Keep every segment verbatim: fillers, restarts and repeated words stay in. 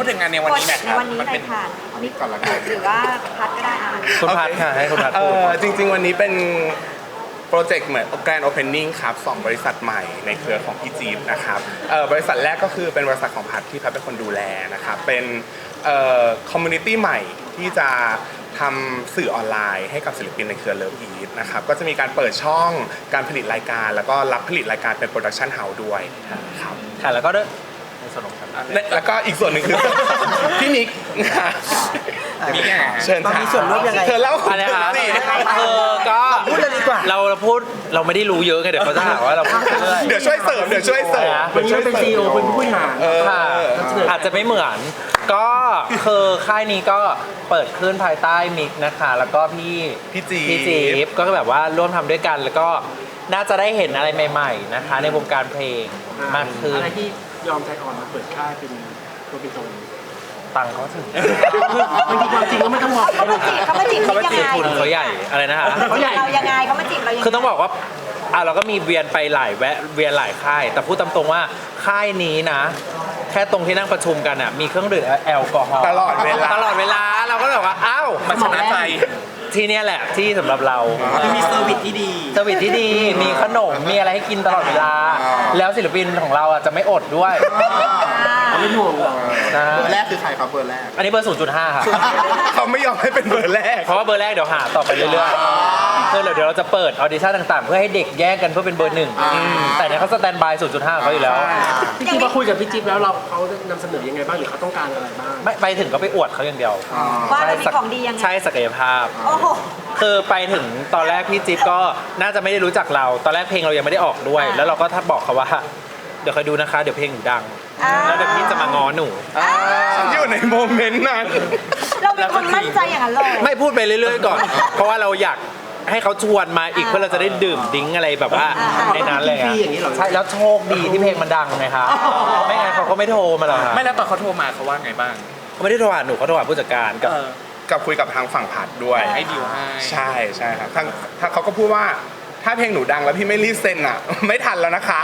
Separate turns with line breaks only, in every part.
ดถึงงานในวันนี้หน่อยครับ
ในวันนี้หน่อยค่ะมิกก่อนละกันหรือว่าพัดก็ได้อ่าน
คุณพัดค่ะให้คุณพัด
เอ
พูด
อจริงๆวันนี้เป็นโปรเจกต์เหมือน Grand Opening ครับสองบริษัทใหม่ในเครือของพี่จี๊บนะครับเอ่อบริษัทแรกก็คือเป็นบริษัทของพัดที่พัดเป็นคนดูแลนะครับเป็นเอ่อคอมมูนิตี้ใหม่ที่จะทำสื่อออนไลน์ให้กับศิลปินในเครือเลิฟอีทนะครับก็จะมีการเปิดช่องการผลิตรายการ แล้วก็รับผลิตรายการเป็นโปรดักชันเฮาส์ด้วยครับ
ค่ะแล้วก็ด้วยในส่วนของครับ
แล้วก็อีกส่วนหนึ่งคือ พี่นิก
มีไง
เชิญ
มันมีส่วนร่วมยังไง
เธอเล่า
อะไรคะ
สิ
เออก็
พูดเลยดีกว่า
เราเราพูดเราไม่ได้รู้เยอะไงเดี๋ยวเขาจะหาว่าเราพูดเรื่อย
เดี๋ยวช่วยเสริมเดี๋ยวช่วยเสริม
วันนี้เราเป็นซีอีโอเป็นผู้บริหาร
เออ
ค่ะอาจจะไม่เหมือน ก็คือค่ายนี้ก็เปิดขึ้นภายใต้มิกนะคะ แล้วก็พี่
พี่จี
พี่จีบก็แบบว่าร่วมทำด้วยกัน แล้วก็น่าจะได้เห็นอะไรใหม่ๆนะคะ ในวงการเพลงมากขึ้น
อะไรที่ยอมใจอ่อนมาเปิดค่ายเป็นตัวเป็นตน
ตังค์เขาถึง
บางทีความจริงก็ไม่ต้องบอก
เขามาจีบเขามาจีบ
เขามา
ยัง
จีบ
ไง
ทุนเขาใหญ่อะไรนะคะ
เขาใหญ่
เรายังไงเขามาจีบเรายังไง
คือต้องบอกว่าอ่ะเราก็มีเวียนไปหลายแวะเวียนหลายค่าย แต่พูดตามตรงว่าค่ายนี้นะ แค่ตรงที่นั่งประชุมกันอ่ะมีเครื่องดื่มแอลกอฮอล์
ตลอดเวลา
ตลอดเวลาเราก็เลยบอกว่าอ้าว
มันชนะใจ
ที่เนี่ยแหละที่สำหรับเรา
คือมีเซอร์วิสที่ดี
สวิตที่ดีมีขนมมีอะไรให้กินตลอดเวลา แล้วศิลปินของเราอ่ะจะไม่อดด้วย
เขาไม่ห่วงหรอก
นะ
เบอร์แรกคือใครครับเบอร์แรก
อันนี้เบอร์ ศูนย์จุดห้า ค่ะ
เขาไม่ยอมให้เป็นเบอร์แรก
เพราะว่าเบอร์แรกเดี๋ยวหาต่อไปเรื่อยๆคือเดี๋ยวเราจะเปิดออดิชั่นต่างๆ เพื่อให้เด็กแยกกันเพื่อเป็นเบอร์หนึ่งแต่เนี่ยเขาสแตนบาย ศูนย์จุดห้า เขาอยู่แล้ว
พี่จิ๊บมาคุยกับพี่จิ๊บแล้วเราเขานำเสนอยังไงบ้างหรือเขาต้องการอะไรบ้าง
ไม่ไปถึงก็ไปอวดเขาอย่างเดียว
ว่าเรามีของดียังไง
ใช่ศักยภาพ
โอ้โห
คือไปถึงตอนแรกพี่จิ๊บก็น่าจะไม่ได้รู้จักเรา ตอนแรกเพลงเรายังไม่ได้ออกด้วย
อ่า
แล้วเราก็ทักบอกเขาว่า เดี๋ยวคอยดูนะคะ เดี๋ยวเพลงหนูดัง
อ่า
แล้วเดี๋ยวพี่จะมาง้อหนู
ฉันอยู่ในโมเมนต์นั้น
เราเป็นคนมั่นใจอย่างนั้นเลย
ไม่พูดไปเรื่อยๆก่อน เพราะว่าเราอยากให้เขาชวนมาอีก
อ่า
เพื่อเราจะได้ดื่มดิ้งอะไรแบบว่า
อ่า
ในนั้นเลย
ฟรีอย่างนี้เหรอ
ใช่แล้วโชคดีที่เพลงมันดังไงครับไม่งั้นเขาก็ไม่โทรมาหรอกครับ
ไม่แล้วตอนเขาโทรมาเขาว่าไงบ้าง
เขาไม่ได้โทรหาหนูเขาโทรหาผู้จัดการกับ
เออ
กับคุยกับทางฝั่งผัดด้วย
ให้ดีลให้
ใช่ใช่ครับทางทางเขาก็พูดว่าถ้าเพลงหนูดังแล้วพี่ไม่รีบเซ็นอ่ะ ไม่ทันแล้วนะคะ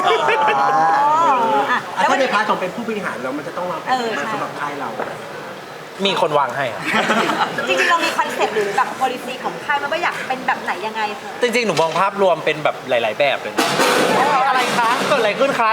อ่ะ
แล้
แล้ว ว
ถ้า
วัน
ใน
นี้
พาร์ทของเป็นผู้บริหารเรามันจะต้องวางแผนยังไงสำหรับค่ายเรา
มีคนวางให้อะ
จริงๆเรามีคอนเซ็ปต์หรือแบบ policy ของค่ายมันว่าอยากเป็นแบบไหนยังไงคะ
จริงๆ หนูมองภาพรวมเป็นแบบหลาย ๆ แบบเลยอะไรคะเกิดอะไรขึ้นคะ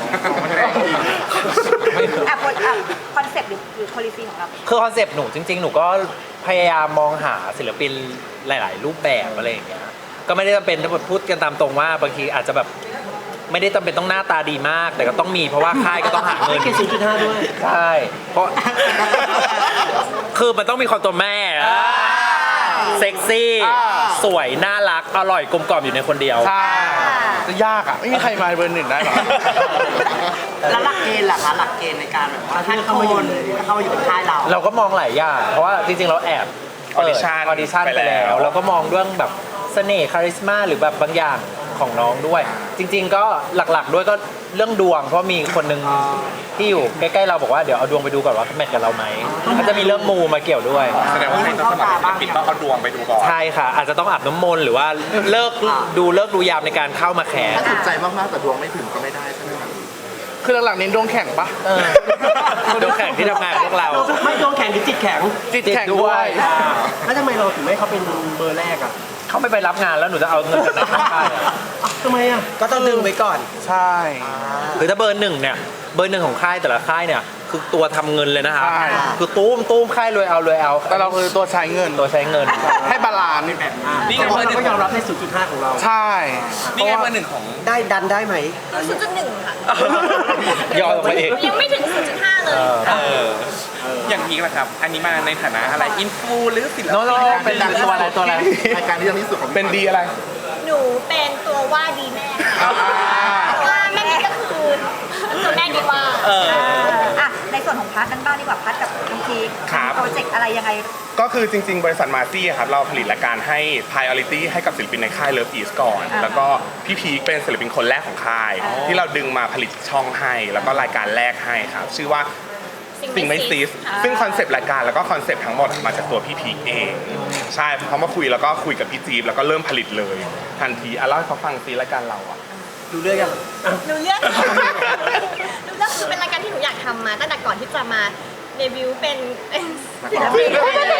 อ่ะคอนเซ็ปต์หรือหรือ policy ของเรา
คือคอนเซปต์หนูจริง ๆ หนูก็พยายามมองหาศิลปินหลาย ๆ รูปแบบอะไรอย่างเงี้ย ก็ไม่ได้จำเป็นถ้าพูดกันตามตรงว่าบางทีอาจจะแบบไม่ได้จำเป็นต้องหน้าตาดีมาก แต่ก็ต้องมีเพราะว่าค่ายก็ต้องหาเงิน
ไม่เกินศูนย์จุดห้าด้วย
ใช่เพราะ คือมันต้องมีความตัวแม่อะเซ็กซี่ สวย น่ารัก อร่อยกลมกล่อมอยู่ในคนเดียว
ใช่จะยากอ่ะ ไม่มีใครมาเบอร์หนึ่งได้หรอก
แล้วหลักเกณฑ์ล่ะคะหลักเกณฑ์ในการแบบว่าถ้าเข้ามาอยู่เข้ามาอยู่ในค่ายเรา
เราก็มองหลายอย่าง เพราะว่าจริง ๆ เราแอบเปิด
Audition
ออดิชั่น
ไป
ไป
แล้
แล้ว ว เราก็มองเรื่องแบบเสน่ห์คาริสมาหรือแบบบางอย่างของน้องด้วย จริง ๆ ก็หลักๆ ด้วยก็เรื่องดวง เพราะมีคนหนึ่งที่อยู่ใกล้ๆเราบอกว่าเดี๋ยวเอาดวงไปดูก่อนว่าแมทกับเราไหมก็จะมีเรื่องมูมาเกี่ยวด้วย
แสดงว่าใครต้องสมัครศิลปินต้องเอาดวงไปดูก่อน
ใช่ค่ะ อาจจะต้องอาบน้ำมนต์หรือว่าเลิกดูเลิกดูยามในการเข้ามาแคส
ถ้าถูกใจมากๆแต่ดวงไม่ถึงก็ไม่ได้ใช่ไหมครับ
คือหลังๆเน้นดวงแข่งปะ
เออดูแข่งที่ทำงานพวกเรา
ไม่โดนแข่งหรือจิตแข็ง
จิตแข่งด้วย
แล้วทำไมเราถึงไม่ให้เขาเป็นเบอร์แรกอ่ะ
เขาไม่ไปรับงานแล้วหนูจะเอาเงินจากไหนเข้าค่ายอะ
ทำไมอ่ะ
ก็ต้องดึงไว้ก่อน
ใช่
คือถ้าเบอร์หนึ่งเนี่ยเบอร์หนึ่งของค่ายแต่ละค่ายเนี่ยคือตัวทำเงินเลยนะครับ
ใช่
คือตู้มตู้มค่ายรวยเอารวยเอา
แต่เราคือตัวใช้เงิน
ตัวใช้เงิน
ให้บาลานซ์
นี่ไง
เพราะ
เบอร์หนึ่
เรา
ง
ก็ยอมรับในศูนย์จุดห้าของเรา
ใช่
นี่ไงเบอร์หนึ่งของ
ได้ดันได้ไหม
ศูนย์จุดหนึ่งค่ะ
ย่อลงมาเอง
ยังไม่ถึงศูนย์จุดห้าเลย
เอออย่างนี้แหละครับ อันนี้มาในฐานะอะไร อินฟูหรือศิล
โน้
ปิ
โน้
น
เป็นตัวอะไรตัวอะไร
รายการที่ดังที่สุดของ
เป็นดีอะไร
หนูเป็นตัวว่าดีแม่ค่ะเพราะว่าแม่นี่ก็คือตัวแม่ดีว่า
เออ
อ่ะในส่วนของพัดกันบ้างดีกว่าพัดกับน้องพีค
ครับ
โปรเจกต์อะไรยังไง
ก็คือจริง ๆ บริษัทมาซี่ครับเราผลิตรายการให้ priority ให้กับศิลปินในค่าย Love East ก่อน
อ่า
แล้วก็พี่พีคเป็นศิลปินคนแรกของค่าย ที่เราดึงมาผลิตช่องให้ แล้วก็รายการแรกให้ครับ ชื่อว่าสิ่งไม่ซีสซึ่งคอนเซปต์รายการแล้วก็คอนเซปต์ทั้งหมดมาจากตัวพี่พีคเอง ใช่เขามาคุยแล้วก็คุยกับพี่จี๊บแล้วก็เริ่มผลิตเลย ทันทีอ่ะเล่าให้เขาฟังซีรายการเราอ่ะ
ดูเรื่องยัง
หนูเลือกหนูเลือกคือเป็นรายการที่หนูอยากทำมาตั้งแต่ก่อนที่จะมาเดบิวต์เป็นเป็น
ศิลปิน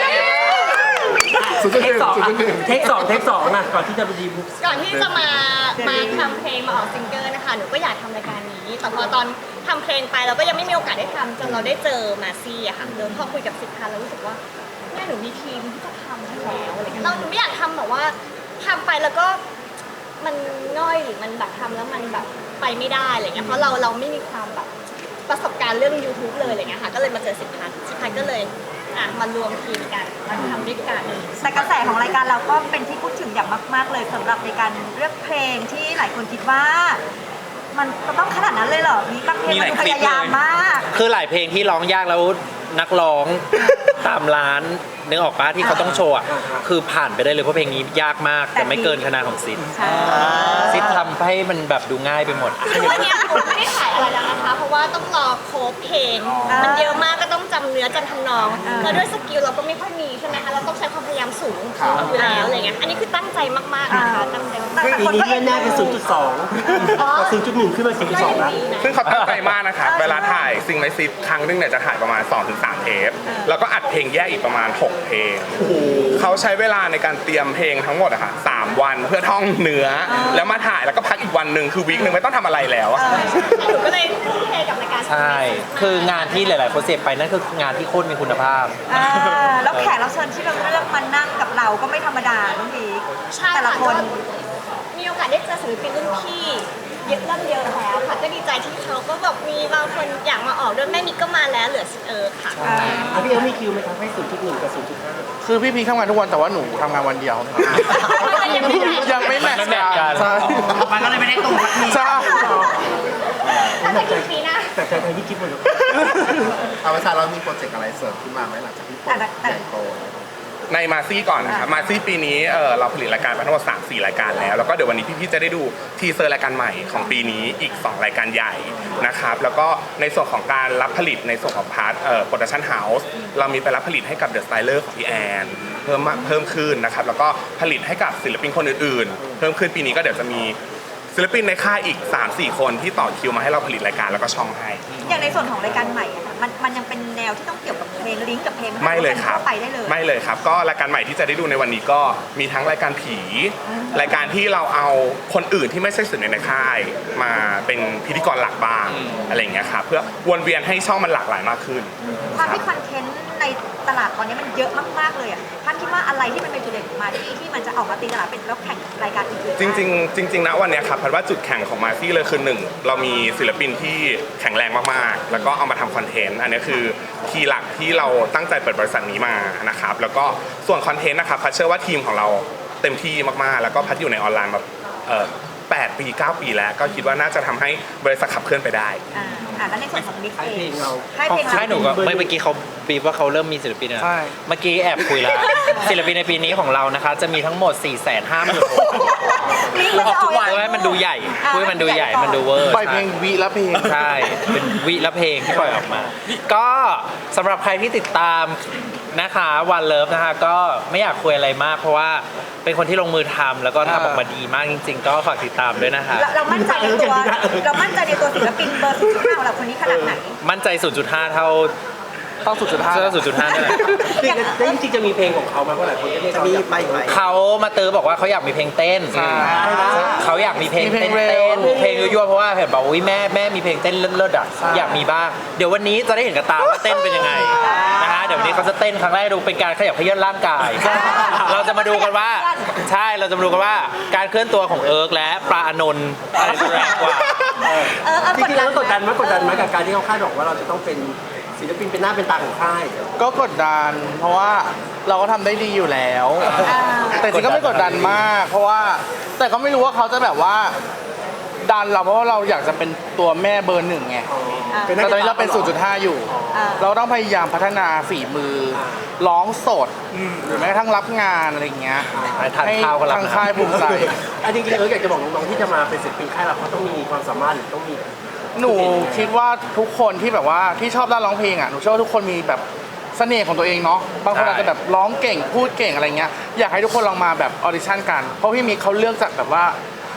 ศูนย์จุดห
เท
นึ่
ค
ง
สอง
ศูนย์จุดหนึ่ง
เทคสองเทคสองอะก่อนที่จะไปดีบุ๊ก
ก่อนที่จะมามาทำเพลงมาออกซิงเกิลนะคะหนูก็อยากทำรายการนี้แต่พอตอนทำเพลงไปเราก็ยังไม่มีโอกาสได้ทำจนเราได้เจอมาซี่อะค่ะเดินพอคุยกับสิทธิ์พันธ์เรารู้สึกว่าแม่หนูมีทีมที่จะทำให้แล้วอะไรเงี้ยเราหนูไม่อยากทำแบบว่าทำไปแล้วก็มันง่อยหรือมันแบบทำแล้วมันแบบไปไม่ได้อะไรเงี้ยเพราะเราเราไม่มีความแบบประสบการณ์เรื่อง YouTube เลยอะไรเงี้ยค่ะก็เลยมาเจอสิทธิ์พันธ์สิทธิ์พันธ์ก็เลยอ่ะมารวมทีมกันมาทำด้วยกัน
แต่กระแสของรายการเราก็เป็นที่พูดถึงอย่างมาก ๆ เลยสำหรับในการเลือกเพลงที่หลายคนคิดว่า มันจะต้องขนาดนั้นเลยเหรอมีบางเพลงมันดูพยายามมาก
คือหลายเพลงที่ร้องยากแล้วนักร้องตามร้านนึกออกปะที่เขาต้องโชว์อะคือผ่านไปได้เลยเพราะเพลงนี้ยากมากแต่ไม่เกินคะแนนของซิด
ใช่
ซิดทำให้มันแบบดูง่ายไปหมด
คือวันเนี้ยผมไม่ได้ถ่ายอะไรแล้วนะคะ เพราะว่าต้องรอโค้ดเพลง มันเยอะมากก็ต้องจำเนื้อจำทำนอง แล้วด้วยสกิลเราก็ไม่ค่อยมีใช่ไหมคะ เราต้องใช้ความพยายามสูงอยู่แล้วอะไรเงี้ย อันนี้คือตั้งใจมากๆนะคะ ตั้งใจมาก
แต่
ปี
คน
นี้
ก็
เลื่อนหน้าเป็น ศูนย์จุดสอง
ๆอ๋อ
ศูนย์จุดหนึ่งขึ้นมา ศูนย์จุดสอง แล้ว
ซึ่งเขาตั้งใจมากนะครับ เวลาถ่ายซิงไลซิตครั้งหนึงเนี่ยจะถ่ายประมาณ สองถึงสาม เทป แล้วก็อัดเพลงแยกอีกประมาณ หก เพลง เขาใช้เวลาในการเตรียมเพลงทั้งหมดอะค่ะสามวันเพื่อท่องเนื้อ แล้วมาถ่ายแล้วก็พักอีกวันหนึ่งคือวีคหนึ่งไม่ต้องทำอะไรแล้วอะ
หนูก็เลยทุ่มเทกับรายการ
ใช่ คืองานที่หลายๆคนเสพไปนั่นคืองานที่โคตรมีคุณภาพ
อ่าแล้วแขกรับเชิญที่เราเลือกมานั่งกับเราก็ไม่ธรรมดาน้องพีค
ใช่
แต่ละ
ค่ะ
คน
ก็มีโอกาสได้เจอศิลปินรุ่นพี่เยอะเริ่มเยอะแล้วค่ะ ก็ดีใจที่เขาก็แบบมีบางคนอยากมาออกด้วยแม่มิกก็มาแล้วเหลือเออค่ะ
อ่ะพี่เอ๋มีคิวไหมครับให้ ศูนย์จุดหนึ่ง กับ ศูนย์จุดห้า
คือพี่พีทำงานทุกวันแต่ว่าหนูทำงานวันเดียว
ยังไม่ได้
ยังไม่แมทช์
ไม่แมทช์กั
กัน นใช่
มันก็เลยไม่ได้ตรงสักที
ใช่
ถ้าจะกี่ปีนะ
แต่ใจไทยที่จิ๊บหมดเลย
เอาไว้ซาเรามีโปรเจกต์อะไรเสริมขึ้นมาไหมหลังจากที่โปรเจกต์ใหญ่โต
ในมาซี่ก่อนนะครับ มาซี่ปีนี้เออเราผลิตรายการมาทั้งหมด สามสี่ รายการแล้ว แล้วก็เดี๋ยววันนี้พี่ๆจะได้ดูทีเซอร์รายการใหม่ของปีนี้อีก สอง รายการใหญ่นะครับ แล้วก็ในส่วนของการรับผลิตในส่วนของพาร์ทเอ่อโปรดักชั่นเฮาส์เรามีไปรับผลิตให้กับเดอะสไตเลอร์ของพี่แอนเพิ่มมาเพิ่มขึ้นนะครับ แล้วก็ผลิตให้กับศิลปินคนอื่นๆ เพิ่มขึ้นปีนี้ก็เดี๋ยวจะมีศิลปินในค่ายอีก สามสี่ คนที่ต่อคิวมาให้เราผลิตรายการแล้วก็ช่องให้
อย่างในส่วนของรายการใหม่อะค่ะมันมันยังเป็นแนวที่ต้องเกี่ยวกับเพลงลิงก์กับเพลง
ไม่เลยครับ
ไปได้เลย
ไม่เลยครับ ก็รายการใหม่ที่จะได้ดูในวันนี้ก็มีทั้งรายการผี รายการที่เราเอาคนอื่นที่ไม่ใช่ศิลปินในค่าย มาเป็นพิธีกรหลักบ้างอะไรอย่างเงี้ยครับเพื่อวนเวียนให้ช่องมันหลากหลายมากขึ้น
ความที่คอนเทนต์ในตลาดตอนนี้มันเยอะมากๆเลยอ่ะท่านคิดว่าอะไรที่มันเป็นจุดเด่นของมาที่ที่มันจะออกมาตีตลาดเป็นแล้วแข่งรายการอื่นๆ
จริงๆจริงๆนะวันเนี้ยครับพัดว่าจุดแข่งของมาซี่เลยคือหนึ่งเรามีศิลปินที่แข็งแรงมากๆ แล้วก็เอามาทำคอนเทนต์อันนี้คือคีย์หลักที่เราตั้งใจเปิดบริษัทนี้มานะครับแล้วก็ส่วนคอนเทนต์นะครับพัดเชื่อว่าทีมของเราเต็มที่มากๆ แล้วก็พัดอยู่ในออนไลน์มาเอ่อแปดปีเก้าปีแล้วก็คิดว่าน่าจะทำให้บริษัทขับเคลื่อนไปได้
อ่าอ่าแล้วในส่วนของมิก
ให้
เอ
เพล
ง
งเรา
ให้เพลง
ใช่หนูก็
เรา
เมื่อกี้เขาบีบว่าเขาเริ่มมีศิลปินแล้ว
ใช่
เมื่อกี้แอบคุยแล้ว ศิลปินในปีนี้ของเรานะคะ จะมีทั้งหมด สี่แสนห้าหมื่น
ลิงก์มันจะออก
เพื่อให้มันดูใหญ่เพื่อให้มันดูใหญ่มันดูเวอร์
ปล่อยเพลงวีละเพลง
ใช่ เป็นวิละเพลงที่ปล่อยออกมา ก็สำหรับใครที่ติดตามนะคะวันเลิฟนะคะก็ไม่อยากคุยอะไรมาก เพราะว่าเป็นคนที่ลงมือทำแล้วก็ทำออกมาดีมากจริง ๆ ก็ฝากติดตามด้วยนะคะ
เราเรามั่นใจในตัวเรามั่นใจในตัวศิลปินเบอร์สุดท้ายของเราคนนี้ขนาดไหน
มั่นใจ ศูนย์จุดห้า เท่า
เท่า ศูนย์จุดห้า
เท่า ศูนย์จุดห้า นี่แหละ
แล้วจริงๆจะมีเพลงของเขาไหมเพราะหลายคนก็เรียกเขาอยากไปไหม
เขามาเตอบอกว่าเขาอยากมีเพลงเต้น เขาอยากมีเพลง
มีเพล
เต้
ง
น
เร็
เต้
ว
นเพลงยั่วๆเพราะว่าเห็นบอกว่าอุ๊ยแม่แม่มีเพลงเต้นเลิศๆอ่ะอยากมีบ้างเดี๋ยววันนี้จะได้เห็นกับตาว่าเต้นเป็นยังไงนะคะเดี๋ยววันนี้เขาจะเต้นครั้งแรกดูเป็นการขยับเขยื้อนร่างกาย เราจะมาดูกันว่าใช่เราจะมาดูกันว่าการเคลื่อนตัวของเอิร์กและปลาอานนท์อะไรจะแรงกว่า
เออเออ
จริงๆแล้วกดดันไหมกดดันไหมกับการที่เขาคาดหวังว่าเราจะต้องเป็นศิลปินเป็นหน้าเป็นตาของค่าย
ก็กดดัน เพราะว่าเราก็ทำได้ดีอยู่แล้ว แต่จริงก็ไม่กดดันมาก เพราะว่าแต่ก็ไม่รู้ว่าเขาจะแบบว่าดันเราเพราะว่าเราอยากจะเป็นตัวแม่เบอร์หนึ่งไงแต่ตอนนี้เราเป็น ศูนย์จุดห้า อยู่ เราต้องพยายามพัฒนาฝีมือร้องสดหรือแม้กระทั่งรับงานอะไรอย่างเงี้ย
ทานข้าวก็รับ
ทางค่ายภูมิใจ
อันจริงๆเอออยากจะบอกน้องๆที่จะมาเป็นศิลปินค่ายเราเขาต้องมีความสามารถหรือต้องมี
หนูคิดว่าทุกคนที่แบบว่าที่ชอบด้านร้องเพลงอ่ะหนูเชื่อว่าทุกคนมีแบบเสน่ห์ของตัวเองเนาะบางคนอาจจะแบบร้องเก่งพูดเก่งอะไรเงี้ยอยากให้ทุกคนลองมาแบบออดิชั่นกันเพราะพี่มีเขาเลือกจากแบบว่า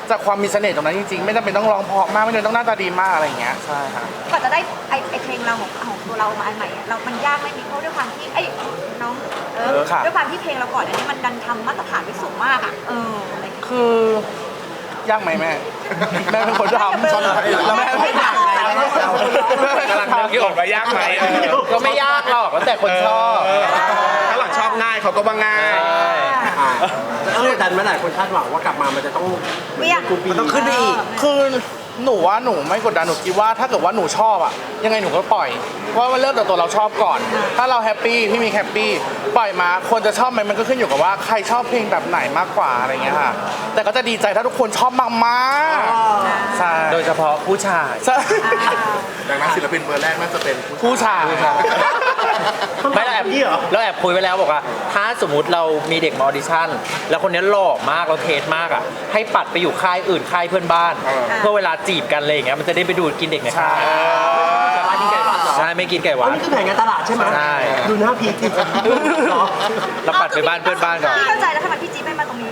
จากความมีเสน่ห์ตรงนั้นจริงๆไม่จำเป็นต้องร้องเพราะมากไม่จำเป็นต้องหน้าตาดีมากอะไรอย่างเงี้ยใช่ครับ
ก่อนจะได้ไอไอเพลงเราของของตัวเรามาอันใหม่อะเรา มันยากไหมมีเพราะด้วยความที่ไอ้น้องเอ
เอ
อ
อค่ะ
ด้วยความที่เพลงเราก่อนอันนี้มันดันทำมาตรฐานไว้สูงมากอ่ะเอออะไรอย่างเงี้ย
คือยากไหมแม่ แม่เป็นคนทำแล้วแม่ไม่ทำ
กำลังนึกอยู่ว่ายากไหมเออ
ก็ไม่ยากหรอกแล้วแต่คนชอบ
เถ้าหลังชอบง่ายเขาก็ว่าง่าย
อ่าแล้วกดดันไหมหลายคนคาดหวังว่ากลับมามันจะต้อง
เวียง
กูปีมันต้องขึ้นไปอีก
คือหนูว่าหนูไม่กดดันหนูคิดว่าถ้าเกิดว่าหนูชอบอะยังไงหนูก็ปล่อยเพราะว่ามันเริ่มจากตัวเราชอบก่อน ถ้าเราแฮปปี้พี่มีแฮปปี้ปล่อยมาคนจะชอบไหมมันก็ขึ้นอยู่กับว่าใครชอบเพลงแบบไหนมากกว่าอะไรเงี้ยค่ะ แต่ก็จะดีใจถ้าทุกคนชอบมากๆใช่
โดยเฉพาะผู้ชาย
ใช่
ดังนั้นศิลปินเบอร์แรกน่าจะเป็น
ผู้ชาย
ไม่เราแอบเราแอบคุยไว้แล้วบอกว่า ถ้าสมมติเรามีเด็กมาออดิชั่น แล้วคนนี้หล่อมากเราเทสมากอ่ะให้ปัดไปอยู่ค่ายอื่นค่ายเพื่อนบ้าน เพื่อเวลาจีบกันอะไรอย่างเงี้ยมันจะได้ไปดูดกินเด็กในค่ายใช่ไม่กินไก่หวา
อัน
น
นี้คือแผนการตลาดใช่ไหม
ใช่
ดูหน้าพีทีเหรอ
เราปัดไปบ้านเพื่อนบ้านก่อน
พี่เข้าใจแล้วทำไมพี่จี๊บไม่มาตรงนี้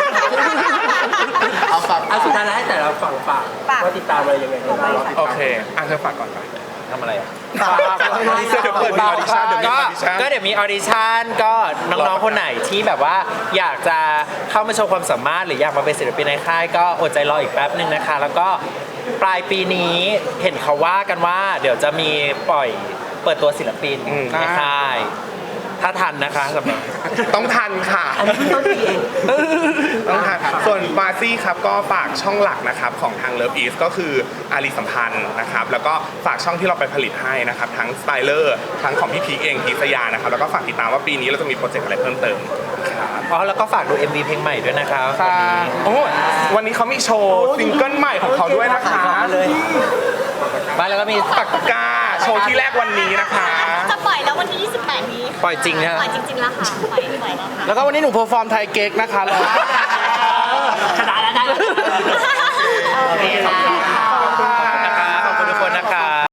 เอาฝาก
อ่ะสุดท้ายแล้วให้แต่ละฝั่งฝาก
ฝาก
ว่าติดตามอะไรยังไงบ้าง
โอเคอ่ะเธอฝากก่อนไป
ทำอะไรอ่ะ
เดี๋ยวเปิดมีออดิชั่นเดี๋ยวมีอ
ก็
อดิชั่น
ก็เดี๋ยวมีออดิชั่นก็น้องๆคนไหนที่แบบว่าอยากจะเข้ามาโชว์ความสามารถหรืออยากมาเป็นศิลปินในค่ายก็อดใจรออีกแป๊บหนึ่งนะคะ แล้วก็ปลายปีนี้เห็นเขาว่ากันว่า เดี๋ยวจะมีปล่อยเปิดตัวศิลปิน
อืม
ในค่าย ถ้าทันนะคะสำหรับ
ต้องทันค่ะ
อันนี้เพิ่งต้นปีเอง
ต้องทันส่วนบาซี่ครับก็ฝากช่องหลักนะครับของทาง Love East ก็คืออารีสัมพันธ์นะครับแล้วก็ฝากช่องที่เราไปผลิตให้นะครับทั้งสไตเลอร์ทั้งของพี่พีคเองพีคสยานะครับแล้วก็ฝากติดตามว่าปีนี้เราจะมีโปรเจกต์อะไรเพิ่มเติมครับ
อ๋อแล้วก็ฝากดู เอ็ม วี เพลงใหม่ด้วยนะคะวันนี้
โอ้วันนี้เขามีโชว์ซิงเกิลใหม่ของเขาด้วยนะคะ
มาแล้วก็มี
ปากกาโชว์ที่แรกวันนี้นะคะ
จะปล่อยแล้ววันที่ยี่สิบแปดนี้
ปล่อยจริงนะ
ปล่อยจริงๆแล้วค่ะปล่อยปล่อยแล้วค่ะ
แล้วก็วันนี้หนูเพอร์ฟอร์มไทยเก๊กนะคะแล้ว
ขนาดนั้นได้